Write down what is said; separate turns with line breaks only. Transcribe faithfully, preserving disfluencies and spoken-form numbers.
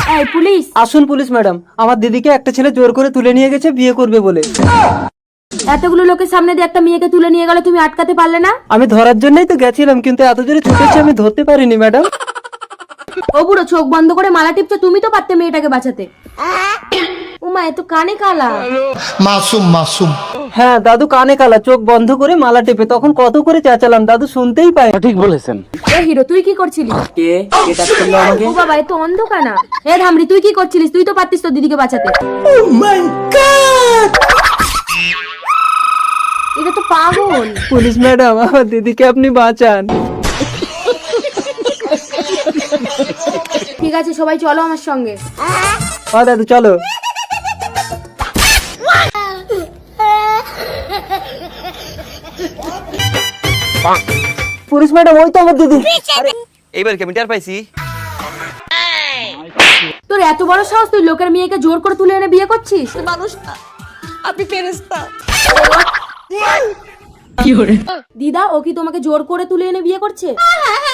এই পুলিশ!
আসুন police madam, আমার দিদিকে একটা ছেলে জোর করে তুলে নিয়ে গেছে বিয়ে করবে বলে।
এতগুলো লোকের সামনে দিয়ে একটা মেয়েকে তুলে নিয়ে গেল, তুমি আটকাতে পারলে না?
আমি ধরার জন্যই তো গেছিলাম, কিন্তু এত জোরে ছুটেছে আমি ধরতে পারিনি ম্যাডাম।
ও বুড়ো, চোখ বন্ধ করে মালা টিপছো, তুমি তো পারতে মেয়েটাকে বাঁচাতে। উমা, এ তো কানে কালা।
মাসুম মাসুম।
হ্যাঁ দাদু কানে কালা, চোখ বন্ধ করে মালা টেপে, তখন কত করে চেঁচালাম দাদু শুনতেই পায়।
ঠিক বলেছেন।
এ হিরো, তুই কি করছিলিস?
কে কে টাচ করলো আমাকে?
ও বাবা, এ তো অন্ধকানা। এ ধামড়ি, তুই কি করছিলিস? তুই তো পারতিস তো দিদিকে বাঁচাতে। এটা তো পাগল।
পুলিশ ম্যাডাম, আমার দিদিকে আপনি বাঁচান।
ঠিক আছে, সবাই চলো আমার সঙ্গে।
হ্যাঁ দাদু চলো। পুলিশ ম্যাডাম, ওই তো আমার দিদি।
এইবার কি আমি টের পাইছি?
তোর এত বড় সাহস, তুই লোকের মেয়েকে জোর করে তুলে এনে বিয়ে করছিস?
মানুষ না, আপনি ফেরেশতা।
দিদা, ও কি তোমাকে জোর করে তুলে এনে বিয়ে করছে?